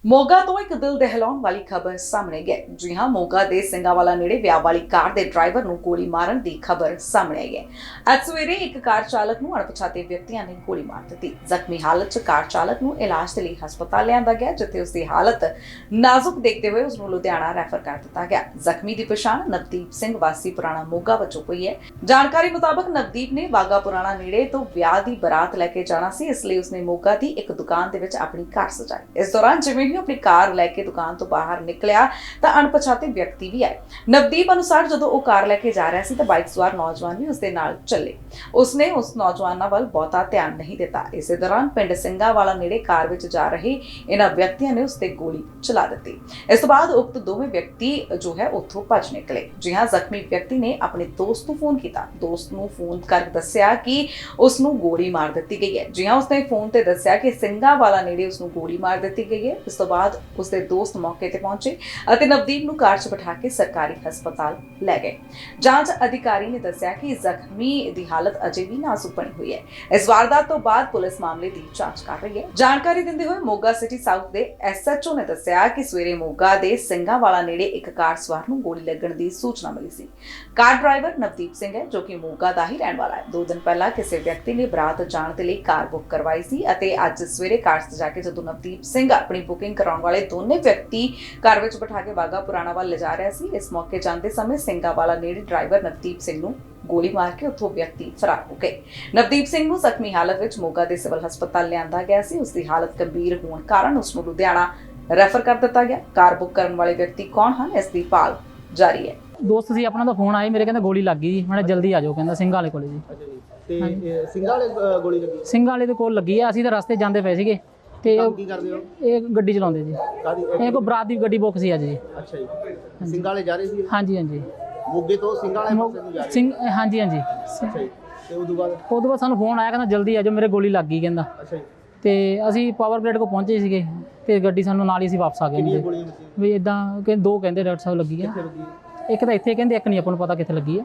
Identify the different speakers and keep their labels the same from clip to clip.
Speaker 1: ਮੋਗਾ ਤੋਂ ਇੱਕ ਦਿਲ ਦਹਿਲਾਉਣ ਵਾਲੀ ਖਬਰ ਸਾਹਮਣੇ ਗਈ। ਜੀ ਹਾਂ, ਮੋਗਾ ਦੇ ਸਿੰਘਾਵਾਲਾ ਨੇੜੇ ਵਿਆਹ ਵਾਲੀ ਕਾਰ ਦੇ ਡਰਾਈਵਰ ਨੂੰ ਗੋਲੀ ਮਾਰਨ ਦੀ ਖਬਰ ਸਾਹਮਣੇ ਆਈ ਹੈ। ਅੱਜ ਸਵੇਰੇ ਇੱਕ ਕਾਰ ਚਾਲਕ ਨੂੰ ਅਣਪਛਾਤੇ ਵਿਅਕਤੀਆਂ ਨੇ ਗੋਲੀ ਮਾਰ ਦਿੱਤੀ। ਜ਼ਖਮੀ ਹਾਲਤ 'ਚ ਕਾਰ ਚਾਲਕ ਨੂੰ ਇਲਾਜ ਦੇ ਲਈ ਹਸਪਤਾਲ ਲਿਆਂਦਾ ਗਿਆ, ਜਿੱਥੇ ਉਸ ਦੀ ਹਾਲਤ ਨਾਜ਼ੁਕ ਦੇਖਦੇ ਹੋਏ ਉਸ ਨੂੰ ਲੁਧਿਆਣਾ ਰੈਫਰ ਕਰ ਦਿੱਤਾ ਗਿਆ। ਜ਼ਖਮੀ ਦੀ ਪਛਾਣ ਨਵਦੀਪ ਸਿੰਘ ਵਾਸੀ ਪੁਰਾਣਾ ਮੋਗਾ ਵਜੋਂ ਹੋਈ ਹੈ। ਜਾਣਕਾਰੀ ਮੁਤਾਬਕ ਨਵਦੀਪ ਨੇ ਵਾਗਾ ਪੁਰਾਣਾ ਨੇੜੇ ਤੋਂ ਵਿਆਹ ਦੀ ਬਰਾਤ ਲੈ ਕੇ ਜਾਣਾ ਸੀ, ਇਸ ਲਈ ਉਸਨੇ ਮੋਗਾ ਦੀ ਇੱਕ ਦੁਕਾਨ ਦੇ ਵਿੱਚ ਆਪਣੀ ਕਾਰ ਸਜਾਈ। ਇਸ ਦੌਰਾਨ ਜਿਵੇਂ ਆਪਣੀ ਕਾਰ ਲੈ ਕੇ ਦੁਕਾਨ ਤੋਂ ਬਾਹਰ ਨਿਕਲਿਆ ਤਾਂ ਅਣਪਛਾਤੇ ਵਿਅਕਤੀ ਵੀ ਆਏ। ਨਵਦੀਪ ਅਨੁਸਾਰ ਜਦੋਂ ਉਹ ਕਾਰ ਲੈ ਕੇ ਜਾ ਰਿਹਾ ਸੀ ਤਾਂ ਬਾਈਕ ਸਵਾਰ ਨੌਜਵਾਨ ਵੀ ਉਸਦੇ ਨਾਲ ਚੱਲੇ। ਉਸਨੇ ਉਸ ਨੌਜਵਾਨਾਂ ਵੱਲ ਬਹੁਤਾ ਧਿਆਨ ਨਹੀਂ ਦਿੱਤਾ। ਇਸੇ ਦੌਰਾਨ ਪਿੰਡ ਸਿੰਘਾਵਾਲਾ ਨੇੜੇ ਕਾਰ ਵਿੱਚ ਜਾ ਰਹੇ ਇਹਨਾਂ ਵਿਅਕਤੀਆਂ ਨੇ ਉਸ ਤੇ ਗੋਲੀ ਚਲਾ ਦਿੱਤੀ। ਇਸ ਤੋਂ ਬਾਅਦ ਉਕਤ ਦੋਵੇਂ ਵਿਅਕਤੀ ਜੋ ਹੈ ਉੱਥੋਂ ਭੱਜ ਨਿਕਲੇ। ਜੀ ਹਾਂ, ਜ਼ਖਮੀ ਵਿਅਕਤੀ ਨੇ ਆਪਣੇ ਦੋਸਤ ਨੂੰ ਫੋਨ ਕੀਤਾ। ਦੋਸਤ ਨੂੰ ਫੋਨ ਕਰ ਦੱਸਿਆ ਕਿ ਉਸ ਨੂੰ ਗੋਲੀ ਮਾਰ ਦਿੱਤੀ ਗਈ ਹੈ। ਜੀ ਹਾਂ, ਉਸਨੇ ਫੋਨ ਤੇ ਦੱਸਿਆ ਕਿ ਸਿੰਘਾਵਾਲਾ ਨੇੜੇ ਉਸ ਨੂੰ ਗੋਲੀ ਮਾਰ ਦਿੱਤੀ ਗਈ ਹੈ। ਇਸ ਤੋਂ ਬਾਅਦ ਉਸਦੇ ਦੋਸਤ ਮੌਕੇ ਤੇ ਪਹੁੰਚੇ ਅਤੇ ਨਵਦੀਪ ਨੂੰ ਕਾਰ 'ਚ ਬਿਠਾ ਕੇ ਸਰਕਾਰੀ ਹਸਪਤਾਲ ਲੈ ਗਏ। ਜਾਂਚ ਅਧਿਕਾਰੀ ਨੇ ਦੱਸਿਆ ਕਿ ਜ਼ਖਮੀ ਦੀ ਹਾਲਤ ਅਜੇ ਵੀ ਨਾਜ਼ੁਕ ਬਣੀ ਹੋਈ ਹੈ। ਇਸ ਵਾਰਦਾਤ ਤੋਂ ਬਾਅਦ ਪੁਲਿਸ ਮਾਮਲੇ ਦੀ ਜਾਂਚ ਕਰ ਰਹੀ ਹੈ। ਜਾਣਕਾਰੀ ਦਿੰਦੇ ਹੋਏ ਮੋਗਾ ਸਿਟੀ ਸਾਊਥ ਦੇ ਐਸਐਚਓ ਨੇ ਦੱਸਿਆ ਕਿ ਸਵੇਰੇ ਮੋਗਾ ਦੇ ਸਿੰਘਾਵਾਲਾ ਨੇੜੇ ਇੱਕ ਕਾਰ ਸਵਾਰ ਨੂੰ ਗੋਲੀ ਲੱਗਣ ਦੀ ਸੂਚਨਾ ਮਿਲੀ ਸੀ। ਕਾਰ ਡਰਾਈਵਰ ਨਵਦੀਪ ਸਿੰਘ ਹੈ, ਜੋ ਕਿ ਮੋਗਾ ਦਾ ਹੀ ਰਹਿਣ ਵਾਲਾ ਹੈ। 2 ਦਿਨ ਪਹਿਲਾਂ ਕਿਸੇ ਵਿਅਕਤੀ ਨੇ ਬਰਾਤ ਜਾਣ ਦੇ ਲਈ ਕਾਰ ਬੁੱਕ ਕਰਵਾਈ ਸੀ ਅਤੇ ਅੱਜ ਸਵੇਰੇ ਕਾਰ ਸਜਾ ਕੇ ਜਦੋਂ ਨਵਦੀਪ ਸਿੰਘ ਆਪਣੀ ਬੁਕਿੰਗ ਕਰਾਉਣ ਵਾਲੇ ਦੋਨੇ ਵਿਅਕਤੀ ਕਾਰ ਵਿੱਚ ਬਿਠਾ ਕੇ ਵਾਗਾ ਪੁਰਾਣਾ ਵੱਲ ਲਿਜਾ ਰਿਹਾ ਸੀ। ਇਸ ਮੌਕੇ ਜਾਂਦੇ ਸਮੇਂ ਸਿੰਘਾਵਾਲਾ ਨੇੜੇ ਡਰਾਈਵਰ ਨਵਦੀਪ ਸਿੰਘ ਨੂੰ ਗੋਲੀ ਮਾਰ ਕੇ ਉੱਥੋਂ ਵਿਅਕਤੀ ਫਰਾਰ ਹੋ ਗਏ। ਨਵਦੀਪ ਸਿੰਘ ਨੂੰ ਜ਼ਖਮੀ ਹਾਲਤ ਵਿੱਚ ਮੋਗਾ ਦੇ ਸਿਵਲ ਹਸਪਤਾਲ ਲਿਆਂਦਾ ਗਿਆ ਸੀ। ਉਸ ਦੀ ਹਾਲਤ ਗੰਭੀਰ ਹੋਣ ਕਾਰਨ ਉਸ ਨੂੰ ਲੁਧਿਆਣਾ ਰੈਫਰ ਕਰ ਦਿੱਤਾ ਗਿਆ। ਕਾਰ ਬੁੱਕ ਕਰਨ ਵਾਲੇ ਵਿਅਕਤੀ ਕੌਣ ਹਨ, ਇਸ ਦੀ ਭਾਲ ਜਾਰੀ ਹੈ।
Speaker 2: ਦੋਸਤ ਸੀ ਆਪਣਾ ਦਾ ਫੋਨ ਆਇਆ, ਮੇਰੇ ਕਹਿੰਦਾ ਗੋਲੀ ਲੱਗ ਗਈ ਜੀ, ਮੈਂ ਜਲਦੀ ਆ ਜਾਓ, ਕਹਿੰਦਾ ਸਿੰਘਾਂ ਵਾਲੇ ਕੋਲੇ ਜੀ।
Speaker 3: ਅੱਛਾ ਜੀ, ਤੇ ਸਿੰਘਾਂ ਵਾਲੇ ਗੋਲੀ ਲੱਗੀ?
Speaker 2: ਸਿੰਘਾਂ ਵਾਲੇ ਦੇ ਕੋਲ ਲੱਗੀ ਆ। ਅਸੀਂ ਤਾਂ ਰਸਤੇ ਜਾਂਦੇ ਪਏ ਸੀਗੇ ਤੇ
Speaker 3: ਕੀ ਕਰਦੇ ਹੋ?
Speaker 2: ਇਹ ਗੱਡੀ ਚਲਾਉਂਦੇ ਜੀ।
Speaker 3: ਕਾਦੀ?
Speaker 2: ਇਹ ਕੋਈ ਬਰਾਤ ਦੀ ਗੱਡੀ ਬੁੱਕ ਸੀ ਅੱਜ ਜੀ।
Speaker 3: ਅੱਛਾ ਜੀ, ਸਿੰਘਾਂ ਵਾਲੇ ਜਾ ਰਹੇ ਸੀ?
Speaker 2: ਹਾਂਜੀ ਹਾਂਜੀ,
Speaker 3: ਮੋਗੇ ਤੋਂ ਸਿੰਘਾਂ ਵਾਲੇ ਪਾਸੇ ਨੂੰ ਜਾ ਰਹੇ?
Speaker 2: ਸਿੰਘ ਹਾਂਜੀ ਹਾਂਜੀ।
Speaker 3: ਅੱਛਾ ਜੀ, ਤੇ ਉਦੋਂ ਬਾਅਦ
Speaker 2: ਸਾਨੂੰ ਫੋਨ ਆਇਆ, ਕਹਿੰਦਾ ਜਲਦੀ ਆ ਜਾਓ, ਮੇਰੇ ਗੋਲੀ ਲੱਗ ਗਈ ਕਹਿੰਦਾ।
Speaker 3: ਅੱਛਾ ਜੀ,
Speaker 2: ਤੇ ਅਸੀਂ ਪਾਵਰ ਪਲੇਟ ਕੋਲ ਪਹੁੰਚੇ ਸੀਗੇ ਤੇ ਗੱਡੀ ਸਾਨੂੰ ਨਾਲ ਹੀ ਅਸੀਂ ਵਾਪਸ ਆ ਗਏ।
Speaker 3: ਕਿੰਨੀਆਂ ਗੋਲੀਆਂ ਲੱਗੀਆਂ?
Speaker 2: ਵੀ ਇਦਾਂ ਕਿ 2 ਕਹਿੰਦੇ ਡਾਕਟਰ ਸਾਹਿਬ ਲੱਗੀ ਆ।
Speaker 3: ਕਿੱਥੇ ਲੱਗੀ?
Speaker 2: ਇੱਕ ਤਾਂ ਇੱਥੇ ਕਹਿੰਦੇ, ਇੱਕ ਨਹੀਂ ਆਪਾਂ ਨੂੰ ਪਤਾ ਕਿੱਥੇ ਲੱਗੀ ਆ।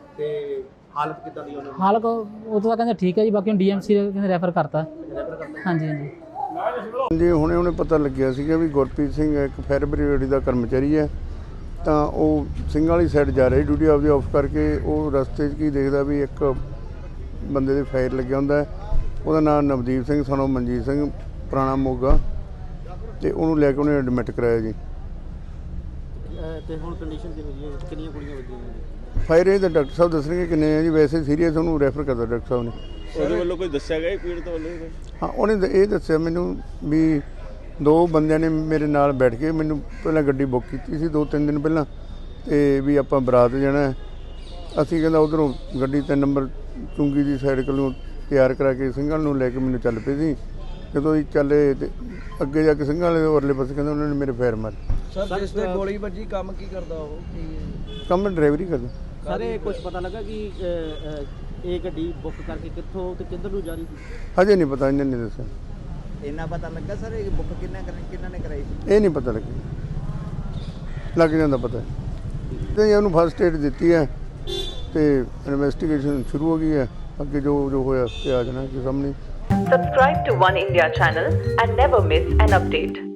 Speaker 3: ਤੇ ਹਾਲਤ ਕਿੱਦਾਂ ਦੀ ਉਹਨਾਂ ਦੀ?
Speaker 2: ਹਾਲਤ ਉਹ ਤਾਂ ਕਹਿੰਦੇ ਠੀਕ ਹੈ ਜੀ, ਬਾਕੀ ਹੁਣ ਡੀਐਮਸੀ ਕਹਿੰਦੇ ਰੈਫਰ ਕਰਤਾ। ਹਾਂਜੀ ਹਾਂਜੀ
Speaker 4: ਜੀ, ਹੁਣੇ ਪਤਾ ਲੱਗਿਆ ਸੀਗਾ ਵੀ ਗੁਰਪ੍ਰੀਤ ਸਿੰਘ ਇੱਕ ਫਾਇਰ ਬ੍ਰਿਗੇਡ ਦਾ ਕਰਮਚਾਰੀ ਹੈ, ਤਾਂ ਉਹ ਸਿੰਘਾਂ ਵਾਲੀ ਸਾਈਡ ਜਾ ਰਿਹਾ ਡਿਊਟੀ ਆਪਦੀ ਆਫ ਕਰਕੇ। ਉਹ ਰਸਤੇ 'ਚ ਕੀ ਦੇਖਦਾ ਵੀ ਇੱਕ ਬੰਦੇ ਦੇ ਫਾਇਰ ਲੱਗਿਆ ਹੁੰਦਾ। ਉਹਦਾ ਨਾਮ ਨਵਦੀਪ ਸਿੰਘ ਸਾਨੂੰ ਮਨਜੀਤ ਸਿੰਘ ਪੁਰਾਣਾ ਮੋਗਾ, ਤੇ ਉਹਨੂੰ ਲੈ ਕੇ ਉਹਨੇ ਐਡਮਿਟ ਕਰਾਇਆ ਜੀ।
Speaker 3: ਤੇ ਹੁਣ ਕੰਡੀਸ਼ਨ ਕਿਹੋ ਜਿਹੀ ਹੈ? ਕਿੰਨੀਆਂ ਗੋਲੀਆਂ ਵੱਜੀਆਂ?
Speaker 4: ਫਾਇਰ ਇਹ ਤਾਂ ਡਾਕਟਰ ਸਾਹਿਬ ਦੱਸਣਗੇ ਕਿੰਨੇ ਆ ਜੀ। ਵੈਸੇ ਸੀਰੀਅਸ ਉਹਨੂੰ ਰੈਫਰ ਕਰਦਾ ਡਾਕਟਰ ਸਾਹਿਬ ਨੇ।
Speaker 5: ਉਹਦੇ ਵੱਲੋਂ ਕੋਈ ਦੱਸਿਆ ਗਿਆ ਪੀੜਤ ਵੱਲੋਂ?
Speaker 4: ਹਾਂ, ਉਹਨੇ ਇਹ ਦੱਸਿਆ ਮੈਨੂੰ ਵੀ 2 ਬੰਦਿਆਂ ਨੇ ਮੇਰੇ ਨਾਲ ਬੈਠ ਕੇ ਮੈਨੂੰ ਪਹਿਲਾਂ ਗੱਡੀ ਬੁੱਕ ਕੀਤੀ ਸੀ 2-3 ਦਿਨ ਪਹਿਲਾਂ, ਤੇ ਵੀ ਆਪਾਂ ਬਰਾਤ ਜਾਣਾ। ਅਸੀਂ ਕਹਿੰਦਾ ਉੱਧਰੋਂ ਗੱਡੀ 3 ਨੰਬਰ ਚੁੰਗੀ ਦੀ ਸਾਈਡ ਕੋਲੋਂ ਤਿਆਰ ਕਰਾ ਕੇ ਸਿੰਘਾਂ ਨੂੰ ਲੈ ਕੇ ਮੈਨੂੰ ਚੱਲ ਪਏ ਸੀ। ਜਦੋਂ ਅਸੀਂ ਚੱਲੇ ਤੇ ਅੱਗੇ ਜਾ ਕੇ ਸਿੰਘਾਂ ਵਾਲੇ ਉਰਲੇ ਪਾਸੇ ਕਹਿੰਦਾ ਉਹਨਾਂ ਨੇ ਮੇਰੇ ਫੇਰ ਮਾਰੇ।
Speaker 6: ਸਰ, ਜਿਸ ਤੇ ਗੋਲੀ ਵੱਜੀ ਕੰਮ ਕੀ ਕਰਦਾ ਉਹ?
Speaker 4: ਕੰਮ ਮੈਂ ਡਰਾਈਵਰੀ ਕਰਦਾ।
Speaker 3: ਸਰ, ਇਹ ਕੁਝ ਪਤਾ ਲੱਗਾ ਕਿ ਇਹ ਗੱਡੀ ਬੁੱਕ ਕਰਕੇ ਕਿੱਥੋਂ ਤੇ ਕਿੱਧਰ ਨੂੰ ਜਾ ਰਹੀ ਸੀ?
Speaker 4: ਹਜੇ ਨਹੀਂ ਪਤਾ, ਇਹਨਾਂ ਨੇ ਦੱਸਿਆ।
Speaker 6: ਇੰਨਾ ਪਤਾ ਲੱਗਾ ਸਰ ਇਹ ਬੁੱਕ ਕਿੰਨਾ ਨੇ ਕਰਾਈ ਸੀ?
Speaker 4: ਇਹ ਨਹੀਂ ਪਤਾ ਲੱਗਿਆ, ਲੱਗ ਜਾਂਦਾ ਪਤਾ। ਤੇ ਉਹਨੂੰ ਫਸਟ ਏਡ ਦਿੱਤੀ ਹੈ ਤੇ ਇਨਵੈਸਟੀਗੇਸ਼ਨ ਸ਼ੁਰੂ ਹੋ ਗਈ ਹੈ। ਅੱਗੇ ਜੋ ਹੋਇਆ ਤੇ ਆ ਜਾਣਾ ਕਿ ਸਾਹਮਣੇ।
Speaker 7: Subscribe to One India channel and never miss an update.